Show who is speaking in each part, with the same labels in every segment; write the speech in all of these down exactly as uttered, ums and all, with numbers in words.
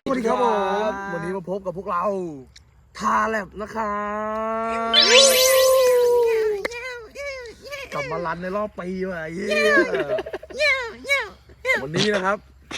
Speaker 1: วัสดีครับผมวันนี้มาพบกับพวกเราทาแลบนะครับกลับมารันในรอบปีว่ะเย้วันนี้นะครับ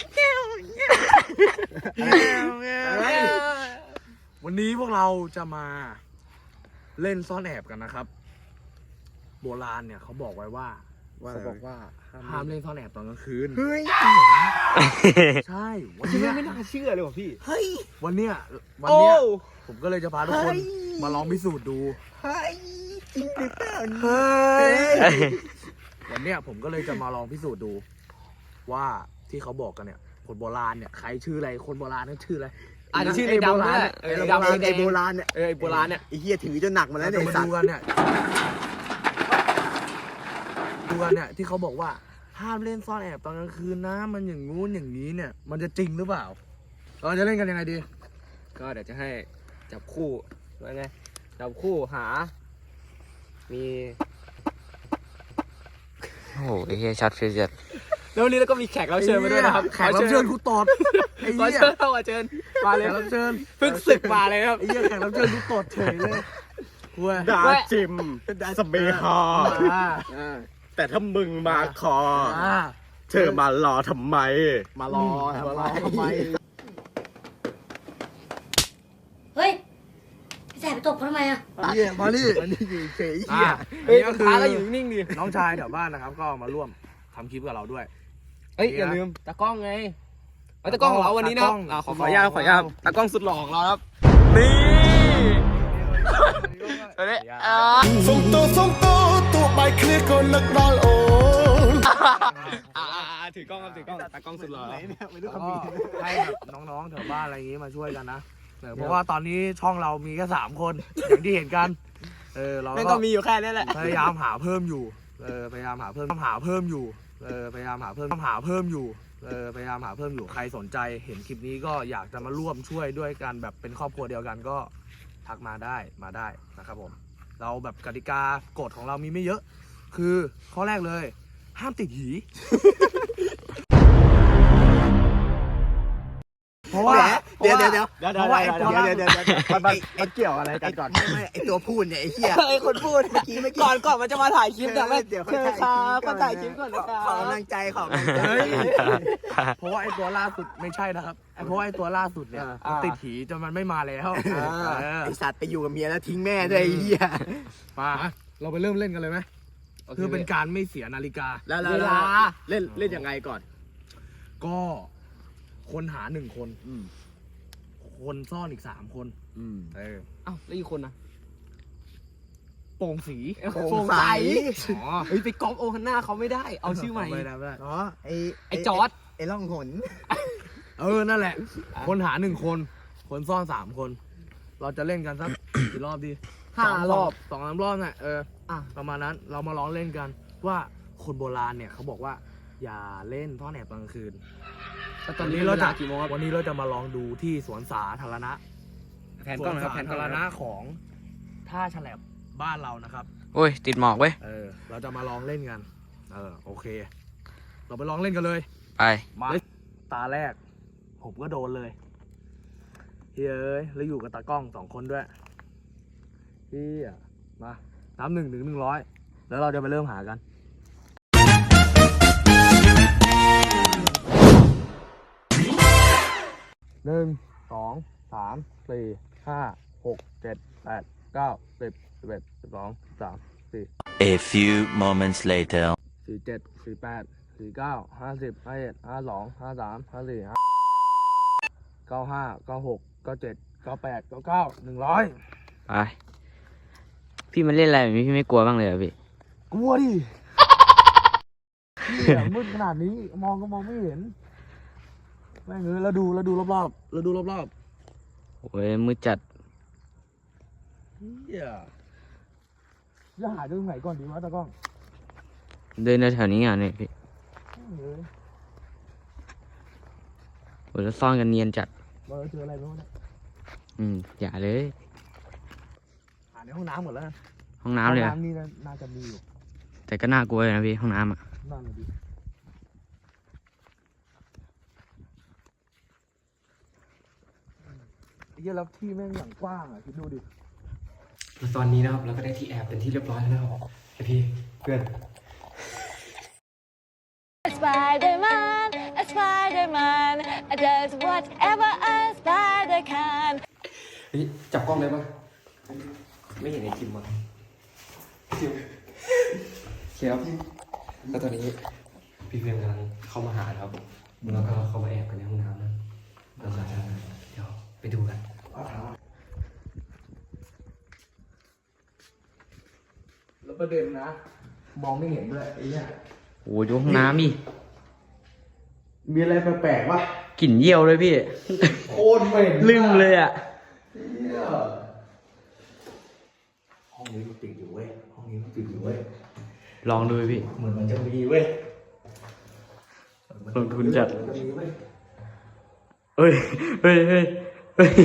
Speaker 1: วันนี้พวกเราจะมาเล่นซ่อนแอบกันนะครับโบราณเนี่ยเขาบอกไว้ว่าเขาบอกว่าห้ามเล่นซ่อนแอบตอนกลางคืนเฮ้ยใช่วันนี้ไม่น่าเชื่อเลยว่ะพี่เฮ้ยวันเนี้ยวันเนี้ยผมก็เลยจะพาทุกคนมาลองพิสูจน์ดูเฮ้ยจริงหรือเปล่าเฮ้ยวันเนี้ยผมก็เลยจะมาลองพิสูจน์ดูว่าที่เขาบอกกันเนี่ยคนโบราณเนี่ยใครชื่ออะไรคนโบราณนั่นชื่ออะไร
Speaker 2: อาจจะชื่อไอ้โบราณไอ้ดำไอ้โบราณเนี่ยเออไอ้โบราณเนี่ยไอ้เหี้ยถือจนหนักมาแล้วเนี่ยมาดูกันเนี่ย
Speaker 1: ดูกันเนี่ยที่เขาบอกว่าห้ามเล่นซ่อนแอบตอนกลางคืนนะมันอย่างงู้นอย่างนี้เนี่ยมันจะจริงหรือเปล่าเราจะเล่นกันยังไงดี
Speaker 2: ก็เดี๋ยวจะให้จับคู่ว่าไงจับคู่หามี
Speaker 3: โอ้โหไอ้เหี้ยช็อตฟิวจัด
Speaker 2: แล้ววันนี้เราก็มีแขกรับเชิญมาด้วยนะครับ
Speaker 1: แขกรับเชิญกูตอด
Speaker 2: ไอ้เหี้ยเข้ามาเชิญมาเลย
Speaker 1: รับเชิญ
Speaker 2: เพิ่งศึกมาเลยครับ
Speaker 1: ไอ้เหี้ยแขกรับเชิญกูตอดเฉยเลย
Speaker 4: ดาจิมดาสเปคอแต่ถ้ามึงมาคอเธอมารอทำไม
Speaker 1: มารอมารอทำไม
Speaker 5: เฮ้ยพี่แสบไปตบเขาทำไมอ่ะ
Speaker 1: เหี้ยมาดิอันนี้อยู่เฉยเหี้ย
Speaker 2: เฮ้ยตาก็อยู่นิ่งดิ
Speaker 1: น้องชายแถวบ้านนะครับก็มาร่วมทำคลิปกับเราด้วย
Speaker 2: เอ้ยอย่าลืมตากล้องไงไอ้ตากล้องของเราวันนี้นะขอขออนุญาตขออนุญาตตากล้องสุดหล่อของเราครับนี่
Speaker 3: เฮ้ย
Speaker 4: ส่งตัวส่งตัวตัวไปเคลียร์คนนักดอลโอน
Speaker 2: ถือกล้องครับถือกล้องตากล้องสุดหล่อ
Speaker 1: ให้แบบน้องๆแถวบ้านอะไรอย่างงี้มาช่วยกันนะเพราะว่าตอนนี้ช่องเรามีแค่สามคนอย่างที่เห็นกันเออเรา
Speaker 2: ก็มีอยู่แค่นี้แหละ
Speaker 1: พยายามหาเพิ่มอยู่เออพยายามหาเพิ่มหาเพิ่มอยู่เออพยายามหาเพิ่มหาเพิ่มอยู่เออพยายามหาเพิ่มอยู่ใครสนใจเห็นคลิปนี้ก็อยากจะมาร่วมช่วยด้วยกันแบบเป็นครอบครัวเดียวกันก็ทักมาได้มาได้นะครับผมเราแบบกติกากฎของเรามีไม่เยอะคือข้อแรกเลยห้ามติดหีเพราะว่า
Speaker 4: เดี๋ยวเดี๋ยวเดี๋ยวเดี๋ยว
Speaker 1: เพราะว่าไอ้ตัว
Speaker 4: เดี๋ยวเดี๋ยวเดี๋ยวมันมันเกี่ยวอะไรกันก่อนไม่ไม่ไอตัวพูดเนี่ยไอ้เหี้ย
Speaker 2: ไอ้คนพูดเมื่อกี้เมื่อกี้ก่อนก่อนมันจะมาถ่ายคลิปแต่ไม่เดี๋ยวครับก็ถ่ายคลิปก่อนนะครับ
Speaker 4: ขอกำลังใจขอกำลังใจ
Speaker 1: เพราะว่าไอ้ตัวล่าสุดไม่ใช่นะครับไอ้เพราะว่าไอ้ตัวล่าสุดเนี่ยติดหีจนมันไม่มาแล้ว
Speaker 4: ไอสัตว์ไปอยู่กับเมียแล้วทิ้งแม่ด้วยไอ้เหี้ย
Speaker 1: มาเราไปเริ่มเล่นกันเลยไหมคือเป็นการไม่เสียนาฬิกา
Speaker 4: เวลาเล่นเล่นยังไงก่อน
Speaker 1: ก็คนหาหนึ่งคนคนซ่อนอีกสามคนเออ
Speaker 2: เอ้าแล้วอีกคนนะ
Speaker 1: โป่งสี
Speaker 4: โป่งใส
Speaker 2: อ๋อเฮ้ยไปก๊อปโอฮันน่าเขาไม่ได้เอาชื่อใหม่
Speaker 1: ไม่ได้ไม่ได้
Speaker 4: อ๋อไอ
Speaker 2: ไอจอร์ด
Speaker 4: ไอล่องหน
Speaker 1: เออนั่นแหละคนหาหนึ่งคนคนซ่อนสามคนเราจะเล่นกันสักกี่รอบดี
Speaker 2: ห้ารอบ
Speaker 1: สองสามรอบน่ะเอออ่ะประมาณนั้นเรามาลองเล่นกันว่าคนโบราณเนี่ยเขาบอกว่าอย่าเล่นซ่อนแอบกลางคืนตอนนี้เราจะกี่โมงวันนี้เราจะมาลองดูที่สวนสาธารณะ
Speaker 2: สวนสา
Speaker 1: ธารณะของท่าฉลับบ้านเรานะครับ
Speaker 3: โอ้ยติดหมอกเว้ย
Speaker 1: เออเราจะมาลองเล่นกันเออโอเคเราไปลองเล่นกันเลย
Speaker 3: ไป
Speaker 1: มาตาแรกผมก็โดนเลยเฮ้ยแล้วอยู่กับตากล้องสองคนด้วยพี่มานับหนึ่งถึงหนึ่งร้อยแล้วเราจะไปเริ่มหากันหนึ่งสองสามสี่ห้าหกเจ็ดแปดเก้าสิบสิบเอ็ดสิบสองสามสี่
Speaker 6: A few moments later
Speaker 1: สี่เจ็ดสี่แปดสี่เก้าห้าสิบห้าเอ็ดห้าสองห้าสามห้าสี่ห้าเก้าห้าเก้าหกเก้าเจ็ดเก้าแปดเก้าเก้าหนึ่งร้อย
Speaker 3: ไปพี่มันเล่นอะไรแบบนี้พี่ไม่กลัวบ้างเลยเหรอพี่
Speaker 1: กลัวดิเนี่ยมืดขนาดนี้มองก็มองไม่เห็นแม่งเลยแล้วดูแล้วดูรอบๆแล้วดูรอบ
Speaker 3: ๆโอ้ยมืดจัด
Speaker 1: เฮียจะหาตรงไหนก่อนดีวะตากล้อง
Speaker 3: เดินแถวนี้อ่ะเนี่ยพี่โอ้ยแล้วซ่อนกันเนียนจัด
Speaker 1: เราเจออะไรบ้างเนี่ย
Speaker 3: อืมอย่าเลย
Speaker 1: หาในห้องน้ำหมดแล้ว
Speaker 3: ห้องน้ำเลย
Speaker 1: ห้องน้ำนี่น่าจะมีอยู่
Speaker 3: แต่ก็น่ากลัวเลยนะพี่ห้องน้ำอ่ะ
Speaker 1: นั่นเลยดิเหี้ยแล้วที่แม่งอย่างกว้างอ่ะคิดดูดิ
Speaker 2: ตอนนี้นะครับเราก็ได้ที่แอบเป็นที่เรียบร้อยแล้วนะครับไอพี่เพื่อน
Speaker 7: Spider-Man, a Spider-Man, does whatever a spider can.
Speaker 2: เฮ้ยจับกล้องได้ปะไม่เห็นไอจิมอ่ะจิมเชียบแล้วตอนนี้พี่เพื่อนกำลังเข้ามาหาครับแล้วก็เข้ามาแอบกันในห้องน้ำนะเราจะเดี๋ยวไปดูกัน
Speaker 1: แล้วประเด็นนะ มองไม่เห็นด้วยไอ้เนี่ย
Speaker 3: โอ้ยดูห้องน้ำดิ
Speaker 1: มีอะไรแปลกๆวะ
Speaker 3: กลิ่นเยี่ยวเลยพี่
Speaker 1: โคตรเหม็น
Speaker 3: ลืมเลยอ่ะ
Speaker 1: เนี่ยห้องนี้มันปิดอยู่เว้ยห้องนี้มันปิดอยู่เว้ย
Speaker 3: ลองดูพี่
Speaker 1: เหมือนมันจะมีเว้ย
Speaker 3: ลงทุนจัด
Speaker 1: เหมือนมันจะมีเว้ย
Speaker 3: เอ้ยเฮ้ยเฮ้ยเฮ้ย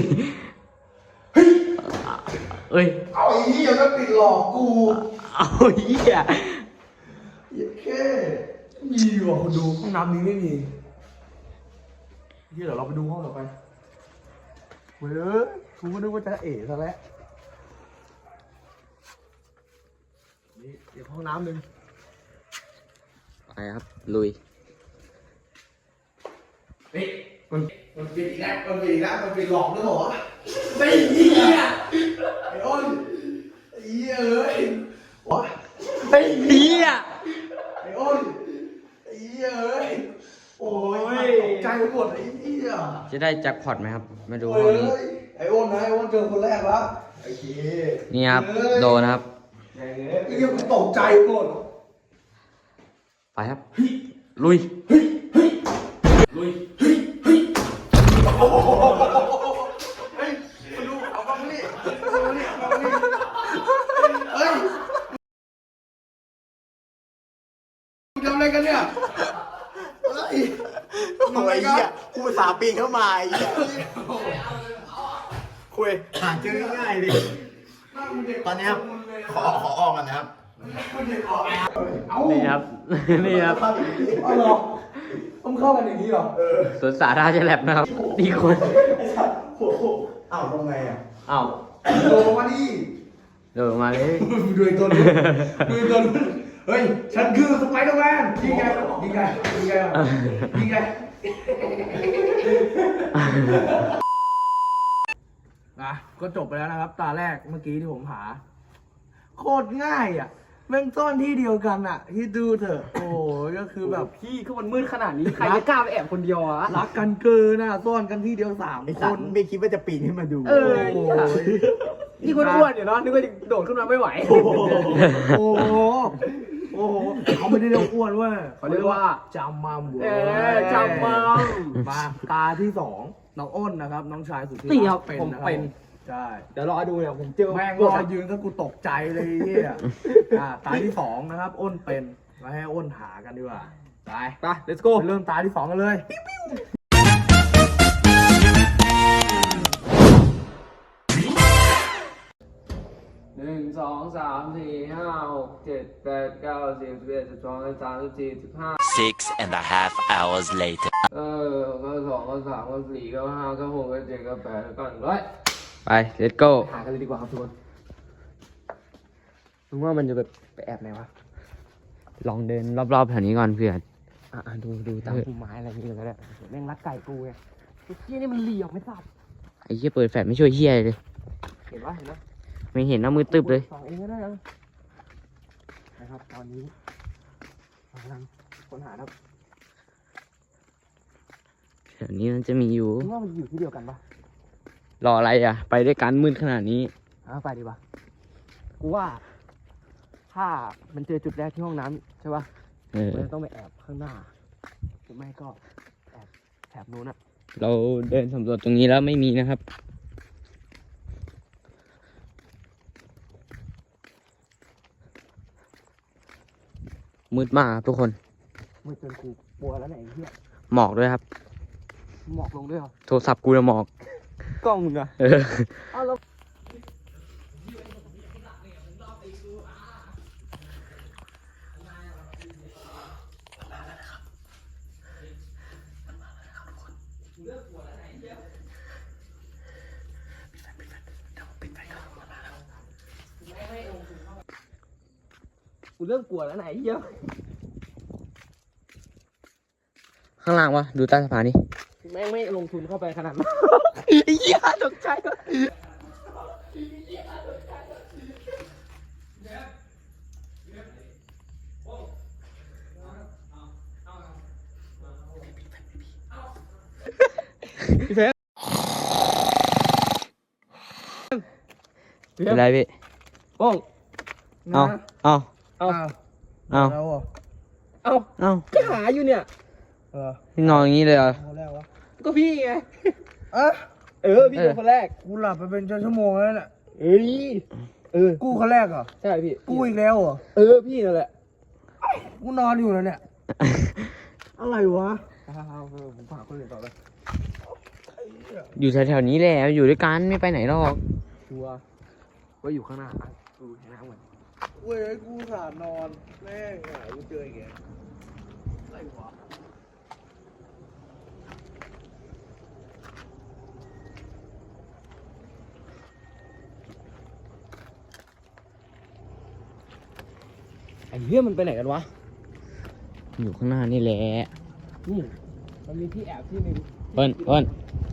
Speaker 3: เอ้ย
Speaker 1: เอาไอ้เหี้ยมันปิดหลอกกู
Speaker 3: เอาเหี้ย
Speaker 1: เหี้ยแค่มีว่ะคนดูห้องน้ำนี้ไม่มีเหี้ยเดี๋ยวเราไปดูห้องต่อไปเว้ยกูก็นึกว่าจะเอ๋ซะแล้วนี่เดี๋ยวห้องน้ำหนึ่ง
Speaker 3: ไปครับ ลุย
Speaker 1: เฮ้ยมันมันปิดอีกแล้วมันปิดอีกแล้วมันปิดหลอกด้วยเหรอไม่เหี้ยไอ้อ้นไอ้เหี้ยเอ้ยวะไอ้
Speaker 3: เหี้ย
Speaker 1: ไอ้อ้นไอ้เหี้ยเอ้ยโอ้ยตกใจไปหมดไอ้เหี้ย
Speaker 3: จะได้แจ็คพอตไหมครับ มาดู
Speaker 1: โอ้
Speaker 3: ห้องนี้
Speaker 1: ยไอ้อ้นนะไอ้อ้นเจอคนแรกแล้วไอ้เหี้ย
Speaker 3: นี่ครับ โดนนะครับ
Speaker 1: ไอ้เหี้ยกูตกใจหมด
Speaker 3: ไปครับ ลุย
Speaker 1: เฮ้ยมาดูเอากล้องมานี่เอามานี่เอามานี่เฮ้ยมึงทำอะไรกันเนี่ยเฮ้ย
Speaker 4: โอ้ยเหี้ยกูภาษาห์ปีนเข้ามาไอ้เหี้ยคุยหาเจอง่ายๆดิตอนนี้ครับขอขอออกกันนะครับ
Speaker 3: นี่ครับ นี่ครับ
Speaker 1: เอาเหรอต้องเข้ากันอย่างนี้เหรอเออ
Speaker 3: สวนสาธารณะแลบนะครับ นี่คน
Speaker 1: ไอ้สัตว์โอ้โหอ้าวทำไงอ่ะ
Speaker 3: อ้าว
Speaker 1: โดนมาดิ
Speaker 3: โดนมาเลย
Speaker 1: ดูไอ้ตัวนู้นดูไอ้ตัวนู้นเฮ้ย ฉันคือสไปเดอร์แมนยิงไงยิงไงยิงไงยิงไงนะก็จบไปแล้วนะครับ ตาแรกเมื่อกี้ที่ผมหา โคตรง่ายอ่ะแม่งซ่อนที่เดียวกันอ่ะที่ดูเถอะ โอ้ยก็คือแบบ
Speaker 2: พี่คือมันมืดขนาดนี้ใครจะกล้าไปแอบคนเดียวอะ
Speaker 1: รักกันเกินน่ะซ่อนกันที่เดียวสาม
Speaker 4: ไอ้
Speaker 1: ค
Speaker 4: สัต
Speaker 1: น
Speaker 4: ว์ไม่คิดว่าจะปีนขึ้นมาดู
Speaker 2: เออ
Speaker 1: โอ้ย
Speaker 2: นี่คนอ้วนอยู่เนาะนึกว่าโดดขึ้นมาไม่ไหว
Speaker 1: โอ้โหโอ้โหโอ้โหเขาไม่ได้เรียกอ้วนเว้ย
Speaker 2: เขาเรียกว่า
Speaker 1: จำมัมเว้
Speaker 2: เอย อจำมัม
Speaker 1: มาตาที่สองน้องอ้นนะครับ น้องชายสุดที่
Speaker 2: นี่ครับ
Speaker 1: เป็น
Speaker 2: ผม
Speaker 1: นะครับ
Speaker 2: เป็น
Speaker 1: ใช่
Speaker 2: เดี๋ยวรอดูเนี่ยผมเจอ
Speaker 1: แม่งรอยืนซะกูตกใจเลยไอ้เฮียอ่าตาที่สองนะครับ อ้นเป็นมาให้อ้นหากันดีกว่าไป
Speaker 2: ไป let's go
Speaker 1: ไปเริ่มตาที่สองกันเลย
Speaker 2: หนึ่งสองสามสี่ห้าหกเจ็ดแปดเก้าสิบสิบเอ็ดสิบสองสิบสามสิบสี่สิบห้า
Speaker 6: Six and a half hours later.
Speaker 2: เออก็สองก็สามก็สี่ก็ห้าก็หกก็เจ็ดก็แปดก็หนึ่งร้อย
Speaker 3: ไป let's go
Speaker 2: หากันเลยดีกว่าครับทุกคนมึงว่ามันจะแบบไปแอบไหนวะ
Speaker 3: ลองเดินรอบๆแถวนี้ก่อนเพื่อน
Speaker 2: อ่าดูดูตามพุ่มไม้อะไรนี่เลยก็ได้แม่งรักไก่กูไงไอ้เหี้ยนี่มันเหลี่ยมไม่ทราบ
Speaker 3: ไอ้เหี้ยเปิดแฟลชไม่ช่วยเหี้ยเลย
Speaker 2: เห็นปะเห็นปะ
Speaker 3: ไม่เห็นนะมือตึบเลย
Speaker 2: สองเองก็ได้นะนะครับตอนนี้เรากำลังค้นหาครับ
Speaker 3: แถวนี้มันจะมีอยู่
Speaker 2: มึงว่ามันอยู่ที่เดียวกันปะ
Speaker 3: รออะไรอ่ะ ไปด้วยกันมืดขนาดนี้
Speaker 2: เอาไปดีกว่ากูว่า ถ้ามันเจอจุดแรกที่ห้องน้ำใช่ปะ
Speaker 3: เออ
Speaker 2: มันจะต้องไปแอบข้างหน้าหรือไม่ก็แอบแถบนู้นอะ
Speaker 3: เราเดินสำรวจตรงนี้แล้วไม่มีนะครับ มืดมากครับทุกคน
Speaker 2: มือจนกูกลัวแล้วไหนยไอ้เหี้ย
Speaker 3: หมอกด้วยครับ
Speaker 2: หมอกลงด้วยเหรอ
Speaker 3: โทรศัพท์กูจะหมอก
Speaker 2: กล้องมึงอะ
Speaker 3: เออ
Speaker 2: เอาแล้วเริ่มกลัวแล้วไหนเหี้ย
Speaker 3: ข้างล่างวะดูใต้สะพานนี่
Speaker 2: แม่งไม่ลงทุนเข้าไปขนาดนั้น
Speaker 3: เหี้ยตกใจ เป็นไรพี่
Speaker 2: โป้ง
Speaker 3: เอาเอา
Speaker 2: เอา
Speaker 3: เอา
Speaker 1: แล้วอ่ะ
Speaker 2: เอา
Speaker 3: เอา
Speaker 2: ก็หาอยู่เนี่ย
Speaker 1: เออ
Speaker 3: พี่นอนอย่างนี้เลยเหรอ
Speaker 1: คนแรกวะ
Speaker 2: ก็พี่ไง
Speaker 1: อ่ะ
Speaker 2: เออ พี่เป็นคนแรก
Speaker 1: กูหลับไปเป็นชั่วโมงแล้วน่ะ
Speaker 2: เอ้ย เออ
Speaker 1: กูคนแรกเหรอ
Speaker 2: ใช่พี่
Speaker 1: กูอีกแล้วเหรอ
Speaker 2: เออ พี่นั่นแหละ
Speaker 1: กูนอนอยู่แล้วเนี่ย อะไรวะ
Speaker 2: ผมฝากคนอื่นต่อไป
Speaker 3: อยู่แถวๆนี้แหละอยู่ด้วยกันไม่ไปไหนหรอก
Speaker 2: ชัวร์ว่าอยู่ข้างหน้าอ่ะดูข้างหน้าเหมือน
Speaker 1: เว้ยกูสานอนแม่งอ่ะกูเจออีกแล้วอะไรวะ
Speaker 2: ไอ้เหี้ยมันไปไหนกันวะ
Speaker 3: อยู่ข้างหน้านี่แหละ
Speaker 2: นี่มันมีที่แอบที่หนึง
Speaker 3: เปิ้ลเปิ้ล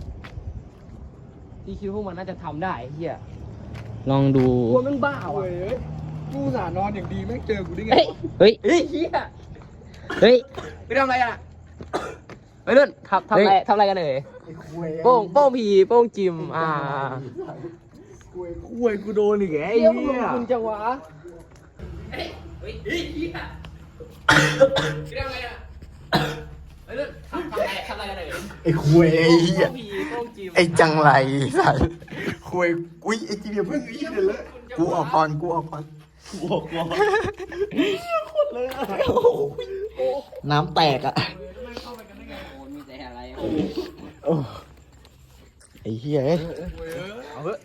Speaker 2: ที่คิดว่าพวกมันน่าจะทำได้ไอ้เหี้ย
Speaker 3: ลองดู
Speaker 2: กลัวมันบ้าว่ะ
Speaker 1: เว้ยกูสานอนอย่างดีแม่งเจอกูได้ไง
Speaker 3: เฮ้ยว
Speaker 1: ะ
Speaker 3: เฮ้ย
Speaker 2: เฮ้ยเหี้ย
Speaker 3: เฮ้ย
Speaker 2: ไปทำอะไรอ่ะไปเล่นทำทำอะไร
Speaker 3: เฮ้ย
Speaker 2: ทำอะไรกันเอ่ย
Speaker 1: ไอ้คุย
Speaker 2: โป้งโป้งผีโป้งจิมอ่า
Speaker 1: คุยคุยกูโดนอีกแล้วไอ้
Speaker 2: เหี้ย
Speaker 1: เหี้ย
Speaker 2: คุณจังหวะเฮ้ยเฮ้ยเฮ้ยเหี้ยไปทำอะไรอ่ะไปเล่นทำทำอะไรทำอะไรกันเอ่ย
Speaker 4: ไอ้คุยไอ้เหี้ย
Speaker 2: โป้งผีโป้งจิม
Speaker 4: ไอ้จังไรสัตว์คุยอุ้ยไอ้จีเดียเพิ่งอีกเลยเลยกูออกก่อนกูออกก่อนกูออกก่อนคนเลยน้ำแตกอ่ะ
Speaker 3: มีแต่อะไร
Speaker 4: โอ้ไอ้เหี้ยเอ้ย
Speaker 2: เอาเถอะ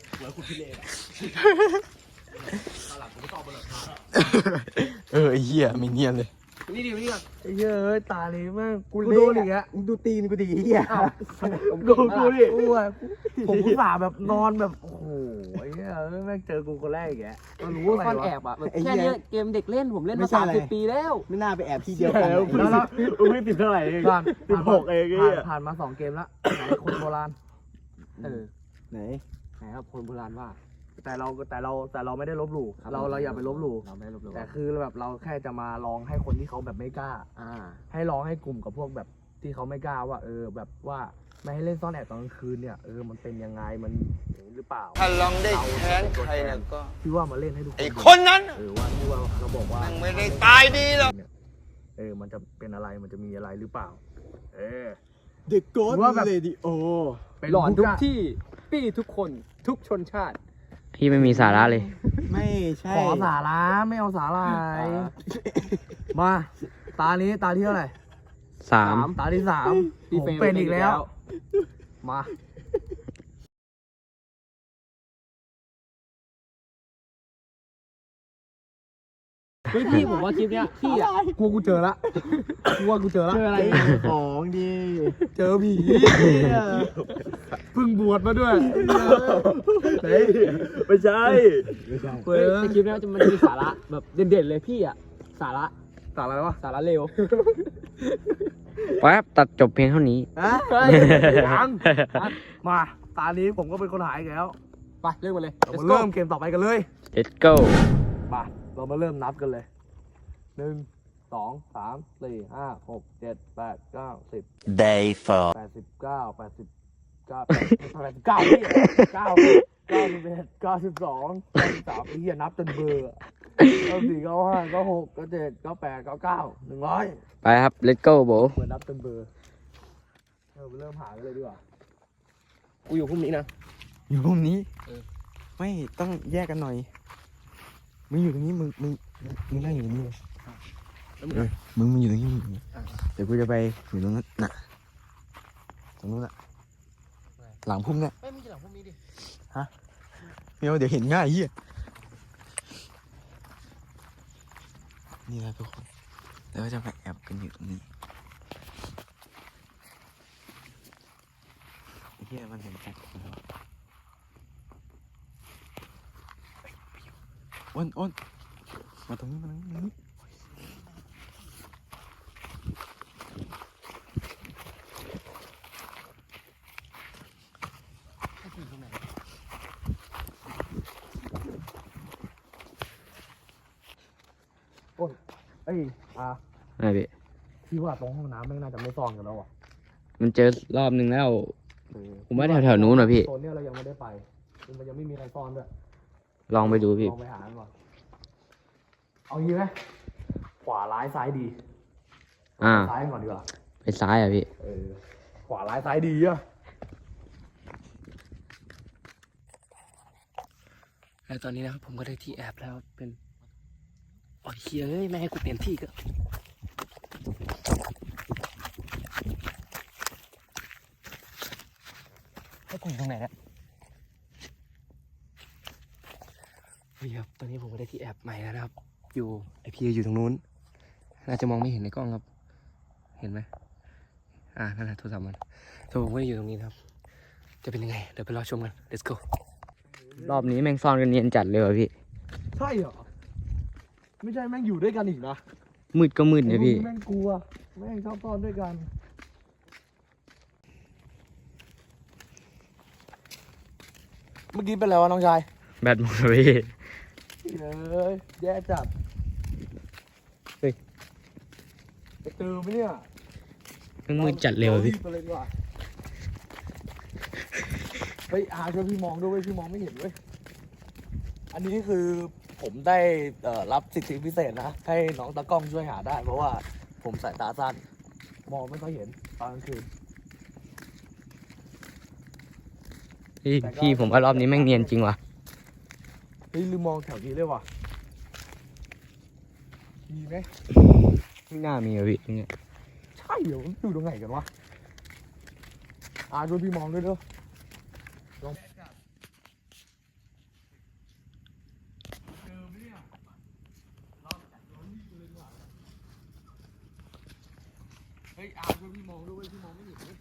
Speaker 4: เออไอ้เหี้ยไม่เนียนเลย
Speaker 2: นี่ดินี่ก่อน
Speaker 1: ไอ้เหี้ยเอ้ยตานี้แม่งกู
Speaker 4: กู
Speaker 1: โด
Speaker 4: โด
Speaker 1: น
Speaker 4: น
Speaker 1: อี
Speaker 4: อี
Speaker 1: ก
Speaker 4: ก
Speaker 1: แล้ว
Speaker 4: มึงดูตีนกูดิไอ้เหี้ย
Speaker 1: กูกูดิกูอะผมกูสาแบบนอนแบบโอ้โหไอ้เหี้ยเอ้ยแม่งเจอกูคนแรกอีกแล้ว
Speaker 2: เรารู้ว่าซ่อนแอบอ่ะแบบแค่เนี้ยเกมเด็กเล่นผมเล่นมาสามสิบปีแล้ว
Speaker 4: ไม่น่าไปแอบที่เดียวกัน
Speaker 1: แล้วแล้ว
Speaker 4: กูไม่ติดเท่าไหร่เอง
Speaker 1: ผ่าน
Speaker 4: สิบหกเองไอ้
Speaker 1: ผ่า
Speaker 4: เหี้
Speaker 1: น
Speaker 4: ย
Speaker 1: ผ่านมาสองเกมแล้วไหนคนโบราณ
Speaker 2: เออ
Speaker 4: ไหน
Speaker 2: ไหนครับคนโบราณว่า
Speaker 1: แต่เราแต่เราแต่เราไม่ได้ลบหลู่
Speaker 2: ครับ
Speaker 1: เราเราอย่าไปลบหลู่
Speaker 2: เราไม่ลบหลู่
Speaker 1: แต่คือแบบเราแค่จะมาลองให้คนที่เขาแบบไม่กล้า
Speaker 2: อ่า
Speaker 1: ให้ลองให้กลุ่มกับพวกแบบที่เขาไม่กล้าว่า เออแบบว่าไม่ให้เล่นซ่อนแอบตอนกลางคืนเนี่ยเออมันเป็นยังไงมันอย่างนี้หรือเปล่า
Speaker 8: ถ้าลองได้แค้นใครเนี่ยก็
Speaker 1: ที่ว่ามาเล่นให้ทุกคน
Speaker 8: ไอ้คนนั้น
Speaker 1: เออว่าที่ว่าเราบอกว่า
Speaker 8: มันไม่ได้ตายดีหรอก
Speaker 1: เนี่ยเออมันจะเป็นอะไรมันจะมีอะไรหรือเปล่า เออ
Speaker 4: เด็กโกด
Speaker 1: ว่าแบบ
Speaker 4: เรดิโอ
Speaker 1: เป็น
Speaker 2: หลอนทุก
Speaker 1: ย่าง
Speaker 2: ที่ปี้ทุกคนทุกชนชาติ
Speaker 3: พี่ไม่มีสาระเลย
Speaker 4: ไม่ใช่
Speaker 1: ขอสาระไม่เอาสาหร่ายมา ตานี้ตาที่เท่าไหร่
Speaker 3: สาม
Speaker 1: ตาที่สาม
Speaker 2: พี่
Speaker 1: ผม
Speaker 2: เฟรม
Speaker 1: เป็นอีกแล้ว มา
Speaker 2: เฮ้ยพี่ผมว่าคลิปเนี้ยพี่อ่ะ
Speaker 1: กูกูเจอละกูว่ากูเจอละ
Speaker 2: เจออะไร
Speaker 4: ของดี
Speaker 1: เจอผีเพิ่งบวชมาด้วย
Speaker 4: ไหนไม่ใช่
Speaker 1: เฮ้ย
Speaker 2: ในคลิปเนี้ยจะมันมีสาระแบบเด่นๆเลยพี่อ่ะสาระ
Speaker 1: สาระอะไรวะ
Speaker 2: สาระเร็ว
Speaker 3: แป๊บตัดจบเพียงเท่านี้
Speaker 1: ฮะยังมา ตานี้ผมก็เป็นคนหายอีกแล้ว
Speaker 2: ไปเริ่มกันเลย
Speaker 1: เรามาเริ่มเกมต่อไปกันเลย
Speaker 3: let's go
Speaker 1: มาเรามาเริ่มนับกันเลยหนึ่งสองสามสี่ห้าหกเจ็ดแปดเก้าสิบ
Speaker 6: Day four.
Speaker 1: แปดสิบเก้าแปดสิบเก้าแปดสิบเก้าพี่เก้าเก้าสิบเอ็ดเก้าสิบสองเก้าสิบสามไอ้เหี้ยนับจนเบื่อเก้าสี่เก้าห้าเก้าหกเก้าเจ็ดเก้าแปดเก้าเก้าหนึ่งร้อย
Speaker 3: ไปครับ let's go โบ
Speaker 1: เหมือนนับจนเบื่อเออเริ่มหากันเลยดีกว่า
Speaker 2: กูอยู่พรุ่งนี้นะ
Speaker 4: อยู่ตรงนี้ไม่ต้องแยกกันหน่อยมึงอยู่ตรงนี้มึงมึงมึงนั่งอยู่ตรงนี้เลยเออมึงมึงอยู่ตรงนี้มึงอยู่ตรงนี้เดี๋ยวกูจะไปอยู่ตรงนั้นน่ะตรงนู้นน่ะหลังพุ่มเนี่ย
Speaker 2: ไม่ไม่ใช่หลังพรุ่งนี้ดิ
Speaker 4: เดี๋ยวเดี๋ยวเห็นง่ายเฮียนี่นะทุกคนแล้วก็จะไปแอบกันอยู่ตรงนี้เฮียมันเห็นชัดแล้วอ้นอ้นมาตรงนี้มาตรงนี้มาตรงนี้
Speaker 1: อ้ยอ่ะ
Speaker 3: ไม่พี่
Speaker 1: พี่ว่าตรงห้องน้ำไม่น่าจะไม่ซ่อนกันแล้วอ่ะ
Speaker 3: มันเจอรอบนึงแล้ว ผมว่าแถวๆนู้นว่ะพี่
Speaker 1: โซนเนี้ยเรายังไม่ได้ไปมันยังไม่มีใครซ่อนด้วย
Speaker 3: ลองไปดูพี่
Speaker 1: ลองไปหากันก่อนเอางี้ไหมขวาร้ายซ้ายดี
Speaker 3: อ่า
Speaker 1: ซ้ายก่อนดีกว่า
Speaker 3: ไปซ้ายอ่ะพี่
Speaker 1: เออขวาร้ายซ้ายดีอ่ะ
Speaker 2: แล้วตอนนี้นะครับผมก็ได้ที่แอบแล้วเป็นโอ้ยเฮ้ยไม่ให้กูเปลี่ยนที่ก็ให้กูอยู่ตรงไหนเนี่ยนี่ครับตอนนี้ผมก็ได้ที่แอบใหม่แล้วนะครับ อยู่ไอพีอยู่ตรงนู้นน่าจะมองไม่เห็นในกล้องครับ เห็นไหมอ่านั่นแหละโทรศัพท์มันส่วนผมก็อยู่ตรงนี้นะครับ จะเป็นยังไงเดี๋ยวไปรอชมกัน let's go
Speaker 3: รอบนี้แม่งซ่อนกันเนียนจัดเลยว่ะพี่
Speaker 1: ใช่เหรอไม่ใช่แม่งอยู่ด้วยกันอีกนะ
Speaker 3: มืดก็มืดเนี่ยพี่
Speaker 1: แม่งกลัวแม่งชอบซ่อนด้วยกันเมื่อกี้เป็นอะไรวะน้องชาย
Speaker 3: แบตหมดเลยพี่
Speaker 1: เอ้ยแย่จัด
Speaker 3: เฮ้ย
Speaker 1: ไปเจอไหมเนี่ย
Speaker 3: แม่งมืดจัดเลยว่ะพี่
Speaker 1: รีบไปเลยดีกว่าเฮ้ยอาช่วยพี่มองด้วยเว้ยพี่มองไม่เห็นเว้ยอันนี้คือผมได้เอ่อรับสิทธิพิเศษนะ ให้น้องตากล้องช่วยหาได้ เพราะว่าผมสายตาสั้นมองไม่ค่อยเห็นตอนกลางคืน
Speaker 3: พี่พี่ผมว่ารอบนี้แม่งเนียนจริงว่ะ
Speaker 1: เฮ้ยลืมมองแถวนี้เลยว่ะมีไหม
Speaker 3: ไม่น่ามีอ่ะพี่ตรงเนี้ย
Speaker 1: ใช่เหรอมันอยู่ตรงไหนกันวะอาช่วยพี่มองด้วยเด้อลองเฮ้ยอาช่วยพี่มองด้วยเว้ยพี่มองไม่เห็นเว้ย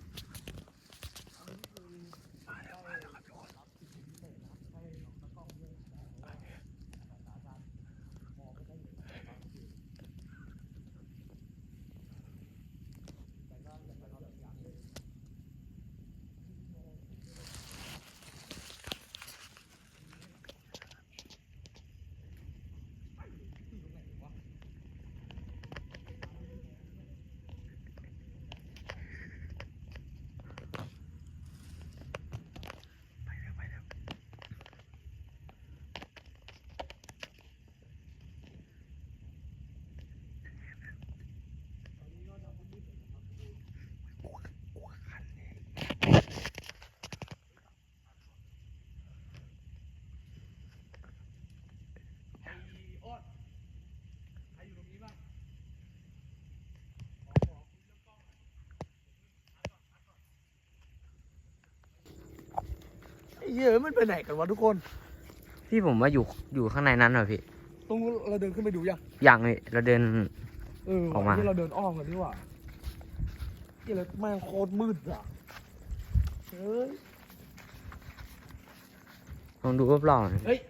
Speaker 1: ไอ้เหี้ยมันไปไหนกันวะทุกคน
Speaker 3: พี่ผมว่าอยู่อยู่ข้างในนั้นเหรอพี่
Speaker 1: ตรงนู้นเราเดินขึ้นไปดูยัง
Speaker 3: อย่างเลยเราเดิน
Speaker 1: เออ
Speaker 3: ออกมา
Speaker 1: ที่เราเดินอ้อมกันนี่หว่าเหี้ยแล้วแม่งโคตรมืดอ่ะเฮ้ย
Speaker 3: ลองดูรอบๆหน่อย
Speaker 1: เฮ้ย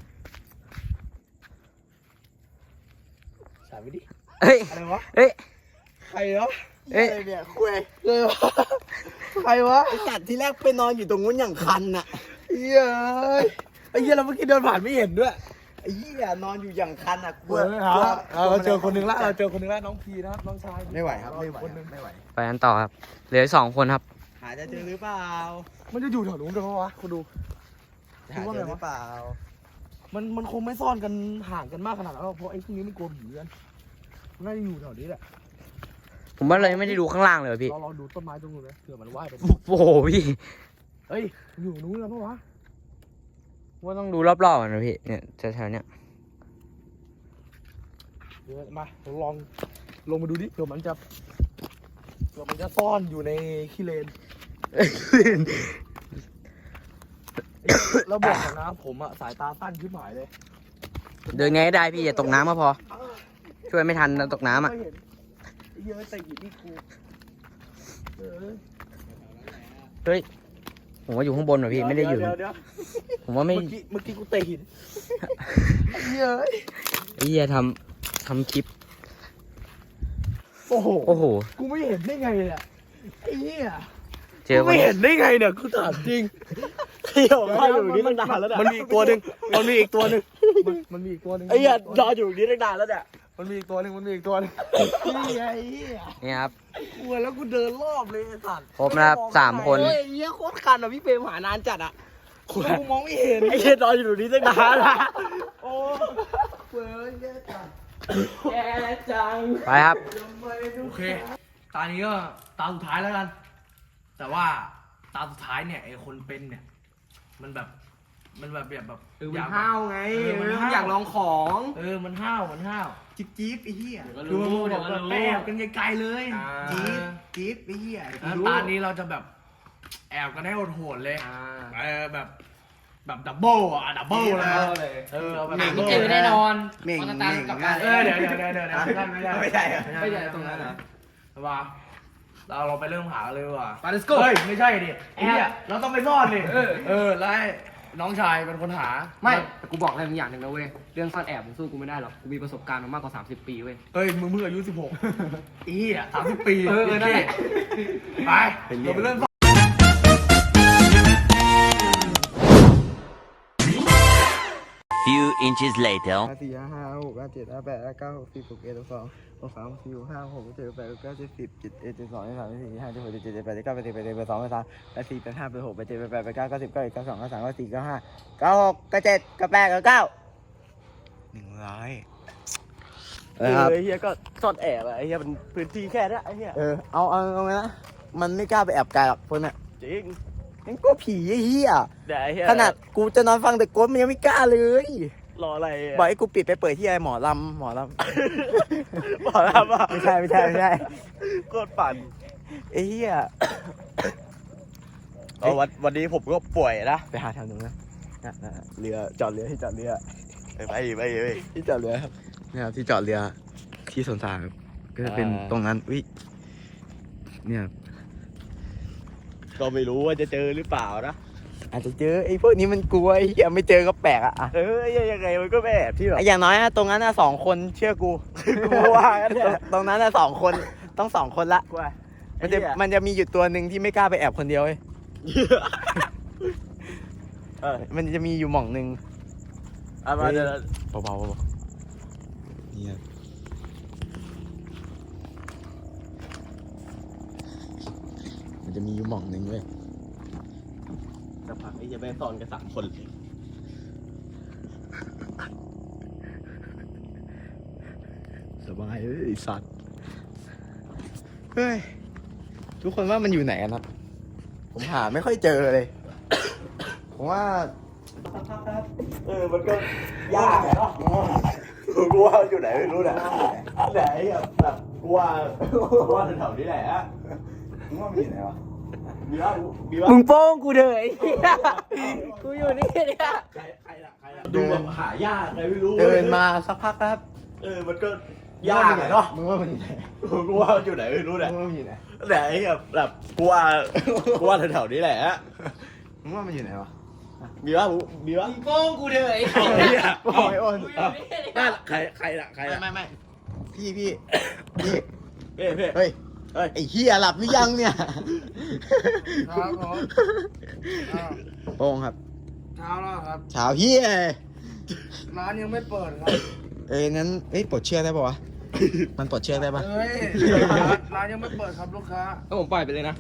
Speaker 1: สายไปดิ
Speaker 3: เฮ้ย
Speaker 1: อะไรวะ
Speaker 3: เฮ้ย
Speaker 1: ใครวะ
Speaker 3: เอ้ย
Speaker 4: อะไรเนี่ยคุย
Speaker 1: เลยวะใครวะ
Speaker 4: ไอสัตว์ที่แรกไปนอนอยู่ตรงนู้นอย่างคันน่ะ
Speaker 1: เหี้ยเอ้ยไอ้เหี้ยเราเมื่อกี้เดินผ่านไม่เห็นด้วย
Speaker 4: ไอ้เหี้ยนอนอยู่อย่างคันอ่ะกลัว
Speaker 1: เฮ้ยครับ
Speaker 4: กลัว
Speaker 1: เราเจอคนหนึ่งละเราเจอคนหนึ่งละน้องพีนะครับน้องชาย
Speaker 4: ไม่ไหวครับไม่ไหว
Speaker 1: คนหนึ่ง
Speaker 4: ไม่ไหว
Speaker 3: ไปกันต่อครับ เหลือสองคนครับ
Speaker 4: หาจะเจอหรือเปล่า
Speaker 1: มันจะอยู่แถวนู้นด้วยปะวะคุณดู
Speaker 4: หาเจอหรือเปล่า
Speaker 1: มันมันคงไม่ซ่อนกันห่างกันมากขนาดนั้นหรอกเพราะไอ้พวกนี้มันกลัวผีกันมันน่าจะอยู่แถวนี้แหละ
Speaker 3: ผมว่าเรายังไม่ได้ดูข้างล่างเลยว่ะพี่
Speaker 1: เราลองดูต้นไม้ตรงนู้นนะเผื่อมันว่ายไป
Speaker 3: โอ้โหพี่
Speaker 1: เฮ้ยอยู่นู้นแล้วปะวะ
Speaker 3: ว่าต้องดูรอบๆก่อนนะพี่ เนี่ยแถวๆเนี้ย
Speaker 1: เดี๋ยวมาเราลองลงมาดูดิเผื่อมันจะเผื่อมันจะซ่อนอยู่ในขี้เลนแล้วบอกก่อนนะผมอะสายตาสั้นขึ้นหมายเลย
Speaker 3: เดินไงก็ได้พี่อย่าตกน้ำก็พอ ช่วยไม่ทันนะตกน้ำอ่ะ
Speaker 1: ไม่เห็นไอ้เหี้ยอะแต่หินนี่กูเออ
Speaker 3: เฮ้ย ผมว่าอยู่ข้างบนว่ะพี่ไม่ได้อยู่
Speaker 1: เดี๋วเดี๋ว
Speaker 3: ผมว่าไม่
Speaker 1: เมื่อกี้เมื่อกี้กูเตะหินไอ้เหี้ยเอ้ย
Speaker 3: ไอ้เหี้ยทำทำคลิป
Speaker 1: โอ้โห
Speaker 3: โอ้โห
Speaker 1: กูไม่เห็นได้ไงเนี่ยไอ้เหี้ย
Speaker 3: เจอ
Speaker 1: กู
Speaker 3: วัน
Speaker 1: ไม่เห็นได้ไงเนี่ยกูถามจริงเที่ยวมาอยู่นี่ตั้งนานแล้วเนี่ยมันมีอีกตัวหนึ่งมันมีอีกตัวหนึ่งมันมันมีอีกตัวหนึ่ง
Speaker 4: ไอ้เหี้ยรออยู่นี่ตั้งนานแล้วเนี่ย
Speaker 1: มันมันมีอีกตัวหนึ่งมันมีอีกตัวหนึงนี่ไงเหี้ย
Speaker 3: นี่ครับ
Speaker 1: กลัวแล้วกูเดินรอบเลยไอ้สัตว์
Speaker 3: ครบนะครับสามคน
Speaker 1: เฮ้ยเหี้ยโคตรคันอ่ะพี่เฟรมหานานจัดอ่ะกูมองไม่เห็นไอ้เหี้ยนอนอยู่ตรงนี้ตั้งนานละโอ้เฟ้ยแย่จังแย่จัง
Speaker 3: ไปครับ
Speaker 1: โอเค ตอนนี้ก็ตาสุดท้ายแล้วกัน แต่ว่าตาสุดท้ายเนี่ยไอคนเป็นเนี่ย มันแบบ มันแบบแบบแบบ
Speaker 2: เออมันห้าวไง
Speaker 1: เออมัน
Speaker 2: มัน
Speaker 1: ห้าว
Speaker 2: อยากลองของ
Speaker 1: เออ มันห้าว มันห้าว
Speaker 4: จิ๊บจิ๊บไอ้เหี้ย
Speaker 1: คือมันบอกแบบแอบกันไกลๆเลย
Speaker 2: อ่า
Speaker 4: จิ๊บจิ๊บไอ้เหี้ย
Speaker 1: แล้วตอนนี้เราจะแบบแอบกันให้โหดๆเลย
Speaker 2: อ่า
Speaker 1: เออแบบ แบบดับเบิลอ่ะดับเบิลเลย
Speaker 2: เอาเลย
Speaker 1: เออเอาแบบ
Speaker 2: หนัง
Speaker 1: double
Speaker 2: เจอแน่นอน
Speaker 4: เหม่ง
Speaker 2: มัน
Speaker 4: เห
Speaker 2: ตาม
Speaker 4: ม่ง
Speaker 2: กลับ
Speaker 4: ง่า
Speaker 2: บ้าย น
Speaker 1: เออเดี๋ยวเดี๋ยวเดี๋ยวเดี๋ยวเดี๋ยวไม่ได้
Speaker 4: ไม่ใช่เหรอ
Speaker 2: ไม่ใช่ตรงนั้นเหรอ
Speaker 1: ว่าเราเราไปเริ่มหากันเลยดีกว่ะ
Speaker 2: ไป let's go
Speaker 1: เฮ้ยไม่ใช่ดิไอ้เนี่ยเราต้องไปซ่อนดิ
Speaker 2: เออ
Speaker 1: เออแล้วให้น้องชายเป็นคนหา
Speaker 2: ไม่แต่กูบอกอะไรมึงอย่างหนึ่งนะเว้ย เรื่องซ่อนแอบมึงสู้กูไม่ได้หรอก กูมีประสบการณ์มามากกว่าสามสิบปีเว้ย
Speaker 1: เฮ้ยมึงเพิ่งอายุสิบหกอีอ่ะสามสิบปี
Speaker 2: เออเออนั่นแหละ
Speaker 1: ไปเราไปเริ่มซ่อน
Speaker 6: Few inches later.
Speaker 4: ห้าสี่ห้าห้าหกห้าเจ็ดห้าแปดห้าเก้าหกสิบหกเอ็ดหกสองหกสามหกสี่หกห้าหกเจ็ดแปดเก้าสิบสิบเจ็ดเอ็ดเจ็ดสองเจ็ดสามเจ็ดสี่ห้าเจ็ดหกเจ็ดเจ็ดแปดเก้าแปดสิบแปดเอ็ดแปดสองแปดสามแปดสี่แปดห้าแปดหกแปดเจ็ดแปดแปดแปดเก้าเก้าสิบเก้าเอ็ดเก้าสองเก้าสามเก้าสี่เก้าห้าเก้าหกเก้าเจ็ดเก้าแปดเก้าเก้าหนึ่งร้อย
Speaker 1: เออไอ้เหี้ยก็ซ่อนแอบอะไอ้เหี้ยมันพื้นที่แค่นี้ไอ้เหี้ย
Speaker 4: เออเอาเอาเอาไงนะมันไม่กล้าไปแอบไกลหรอกพวกเนี้ย
Speaker 1: จริง
Speaker 4: ยังกลัวผีไอ้เหี้ย
Speaker 1: แต่ไอ้เหี้ย
Speaker 4: ขนาดกูจะนอนฟังแต่กวนมันยังไม่กล้าเลย
Speaker 1: รออะไระ
Speaker 4: บอกให้กูปิดไปเปิดที่ไอหมอลำหมอลำ
Speaker 1: บอกแล้วว่า
Speaker 4: ไม่ใช่ไม่ใช่ไม่ใช่
Speaker 1: โคตรปั่น
Speaker 4: ไอ้เหี้ย
Speaker 1: เออวันวันนี้ผมก็ป่วยนะ
Speaker 4: ไปหาแถวนู้นนะน่ะน่ะเรือจอดเรือที่จอดเรือ
Speaker 1: ไปไปไปไป
Speaker 4: ที่จอดเรือครับเนี่ยครับที่จอดเรือที่สวนสาครับก็จะเป็น
Speaker 1: อ่า
Speaker 4: ตรงนั้นอุ้ยเนี่ยครับ
Speaker 1: ก็ไม่รู้ว่าจะเจอหรือเปล่านะ
Speaker 4: อาจจะเจอไอ้พวกนี้มันกลัวไอ้เหี้ยไม่เจอก็แปลกอะอะ
Speaker 1: เออยังไงมันก็แอบที่แบบ
Speaker 4: ไอ้อย่างน้อยอะตรงนั้นอะสองคนเชื่อกู
Speaker 1: กูว่ากันเนี่ย
Speaker 4: ตรงตรงนั้นอะสองคนต้องสองคนละ
Speaker 1: กูว่า
Speaker 4: มันจะมันจะมีอยู่ตัวหนึ่งที่ไม่กล้าไปแอบคนเดียวเว้ย
Speaker 1: เออ
Speaker 4: มันจะมีอยู่หม่องหนึ่ง
Speaker 1: เอามาเดี๋ยว
Speaker 4: เบาๆเบาๆนี่ครับมันจะมีอยู่หม่องหนึ่งเว้ย
Speaker 1: สักพักไอ้เหี้ยแม่งซ่อนกันสามคนเลย
Speaker 4: สบายเอ้ยไอ้สัตว์เฮ้ยทุกคนว่ามันอยู่ไหนกันครับผมหาไม่ค่อยเจอเลย ผมว่า
Speaker 1: เออมันก็ยากอะเนาะกูว่าอยู่ไหนไม่รู้นะไหนอะแบบกูว่ากูว่าแถวๆนี้แหละ
Speaker 4: ผมว่ามันอยู่ไหนวะ
Speaker 1: มีว่ามีว่า
Speaker 3: มึงโป้งกูเถอะไอ้เหี้ยกูอยู่นี่เนี่ย
Speaker 1: ใครใครล่ะใครล่ะดูแบบหายากใครไม่รู้
Speaker 4: เดินมาสักพักแล้วครับ
Speaker 1: เออมันก็ยากอะเนาะ
Speaker 4: มึงว่ามันอยู่ไหน
Speaker 1: กูว่าอยู่ไหนไม่รู้
Speaker 4: มึ
Speaker 1: นะ
Speaker 4: งว่ามันอยู่ไหน
Speaker 1: ไหนแบบแบบกูว่ากูว่าแถวๆนี้แหละ
Speaker 4: มึงว่ามันอยู่ไหนวะ
Speaker 1: มีว่ามีว่า
Speaker 2: โป้งกูเถอะไอ้
Speaker 1: ไอ้เหี้ย
Speaker 4: โอ้ยโอ้ย
Speaker 1: นั่นใครใครล่ะใครล่ะ
Speaker 4: ไม่ไม่พี่พี่พี่
Speaker 1: เพ่เพ่
Speaker 4: เฮ้ย
Speaker 1: เฮ้ย
Speaker 4: ไอ้เฮียหลับหรือยังเนี่ย
Speaker 1: ครับผม
Speaker 4: โป้งครับ
Speaker 1: เช้าแล้วครับ
Speaker 4: เช้าเฮีย
Speaker 1: ร้านยังไม่เปิดครับ
Speaker 4: เอ้ยงั้นเอ้ยปลดเชือกได้ปะวะ มันปลดเชือกได้ปะ
Speaker 1: เฮ้ยร้านยังไม่เปิดครับลูกค้า
Speaker 2: ก็ผมปล่อยไปเลยนะ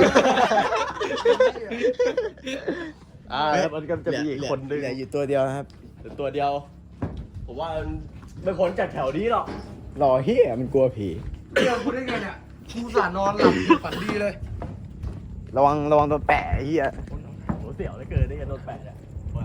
Speaker 1: อ่าแล้วมันก็จะมีอีกคนนึง
Speaker 4: เหลืออยู่ตัวเดียวนะครับ
Speaker 1: ตัวเดียว ผมว่ามันไม่พ้นจากแถวนี้หรอก
Speaker 4: รอเฮียมันกลัวผี
Speaker 1: เรื่องพูดได้ไงเนี่ยกูสานอนหลับฝันดีเลย
Speaker 4: ระวังระวังโดนแปะไอ้เฮีย
Speaker 1: โหเสี่ยวเหลือเกินได้ยังโดนแปะเนี่ยว่า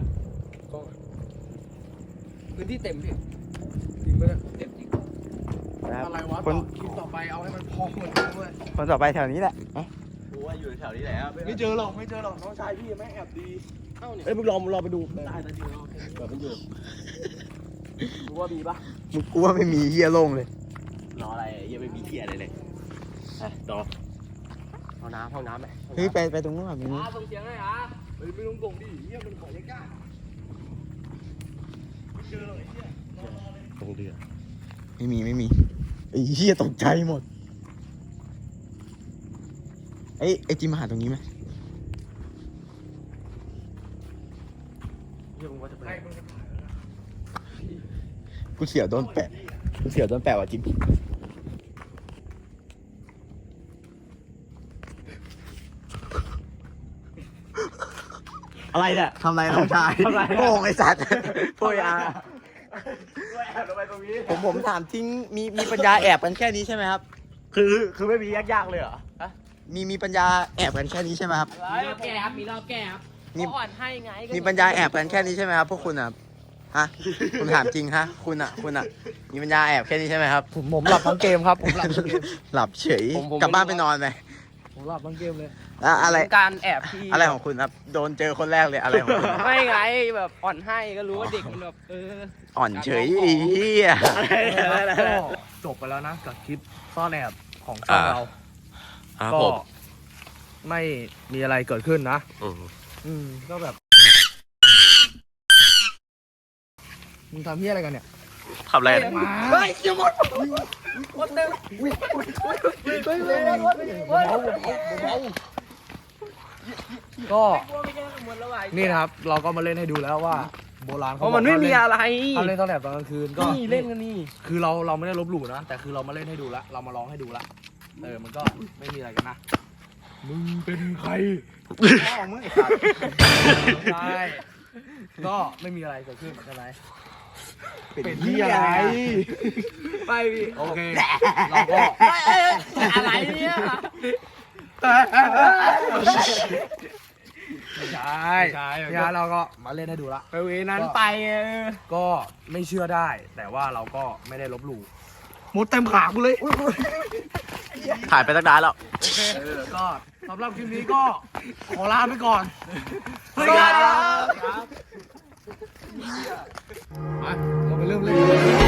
Speaker 2: พื้นที่เต็มพี่
Speaker 1: จริงปะเนี่ย
Speaker 2: เต็มจริง
Speaker 4: นะครับ
Speaker 1: อะไรวะ
Speaker 4: คน
Speaker 1: ต่อคลิปต่อไปเอาให้มันพอเหมือนกันด้วย
Speaker 4: คนต่อไปแถวนี้แหละเอ้า
Speaker 1: กูว่าอยู่แถวนี้แหละไม่เจอหรอกไม่เจอหรอกน้องชายพี่แม่งแอบดีเอ้ยมึงลองมึงลองไปดูได้นะจริงๆแบบมันอยู่กูว่ามีปะ
Speaker 4: มึงกลัวไม่มีเฮียโล่งเลย
Speaker 1: รออะไรยังไม่มีเทียอะไรเลยอ่ะต่อ
Speaker 2: เอาน้ำห้องน้ำไหม
Speaker 4: เฮ้ยไปไปตรงนู้นก่อนตรงนู้น
Speaker 2: ส่งเสียงให้อ่ะ
Speaker 1: เฮ้ยไม่ต้องส่งดิเฮียมันขอยากๆไม่เจอหรอกไอ้เฮียตรงเดือ
Speaker 4: ไม่มีไม่มีไอ้เฮียตกใจหมดไอ้ไอ้จิมมาหาตรงนี้ไหม
Speaker 1: เฮียมึงว่าจะไป
Speaker 4: กูเสียวโดนแปะเสียวต้นแปะว่ะจริงอะไรเนี่ยทำไรน้องชายโง่ไอ้สัตว์โวยอาผมผมถามทิ้งมีมีปัญญาแอบกันแค่นี้ใช่ไหมครับ
Speaker 1: คือคือไม่มียากๆเลยเหรอ
Speaker 4: มีมีปัญญาแอบกันแค่นี้ใช่ไหมครับ
Speaker 3: มีรอบแก้ครับ มีรอบแก้ครับ
Speaker 4: มี
Speaker 3: อ่อนให้ไง
Speaker 4: มีปัญญาแอบกันแค่นี้ใช่ไหมครับพวกคุณอ่ะฮะผมถามจริงฮะคุณอ่ะคุณอ่ะมีปัญญาแอบแค่นี้ใช่ไหมครับ
Speaker 1: ผมผมหลับทั้งเกมครับผมหลับทั้งเกม
Speaker 4: หลับเฉย
Speaker 3: ผมผม
Speaker 4: กลับบ้านไปนอนไป
Speaker 1: ผมหลับทั้งเกมเลย
Speaker 4: แล้วอะไร
Speaker 3: การแอบที่
Speaker 4: อะไรของคุณครับโดนเจอคนแรกเลยอะไรของคุณ
Speaker 3: ไม่ไงแบบอ่อนให้ก็รู้ว่าเด็กมันแบบเออ
Speaker 4: อ่อนเฉยอีเหี้ย
Speaker 1: ก็จบไปแล้วนะกับคลิปซ่อนแอบของช่องเรา
Speaker 8: ครับ
Speaker 1: ก็
Speaker 8: ผม
Speaker 1: ไม่มีอะไรเกิดขึ้นนะ
Speaker 8: อืม
Speaker 1: อืมก็แบบมึงทำเฮี้ยอะไรกันเนี่ย
Speaker 8: ทำอะไรนะ
Speaker 1: มาเฮ้ยอย่าหมดหมดเต็มก็นี่นะครับ เราก็มาเล่นให้ดูแล้วว่า โบราณ
Speaker 3: เพ
Speaker 1: เขา
Speaker 3: ราะมันไม่มีอะไร
Speaker 1: เขาเล่นตอนแอบตอนกลางคืนก็
Speaker 3: นี่เล่นกันนี่
Speaker 1: คือเราเราไม่ได้ลบหลู่นะแต่คือเรามาเล่นให้ดูละเรามาร้องให้ดูละเออมันก็ไม่มีอะไรกันนะมึงเป็นใครพ่อมึงไอ้สัตว์ใช่ก็ไม่มีอะไรเกิดขึ้นใช่ไหมเป็นที่อะไรไปพี่โอเคเราก็
Speaker 3: อะไรเนี่ย
Speaker 1: ไม่ใช่ใช่เนี่ยเราก็มาเล่นให้ดูละ
Speaker 3: ไปเวนั้นไปเออ
Speaker 1: ก็ไม่เชื่อได้ แต่ว่าเราก็ไม่ได้ลบหลู่หมดเต็มขากูเลย
Speaker 8: ถ่ายไปตั้งนานแล้ว
Speaker 1: โอเคเออก็สำหรับคลิปนี้ก็ขอลาไปก่อน
Speaker 3: สวัสดีครับ
Speaker 1: ไปเราไปเริ่มเล่น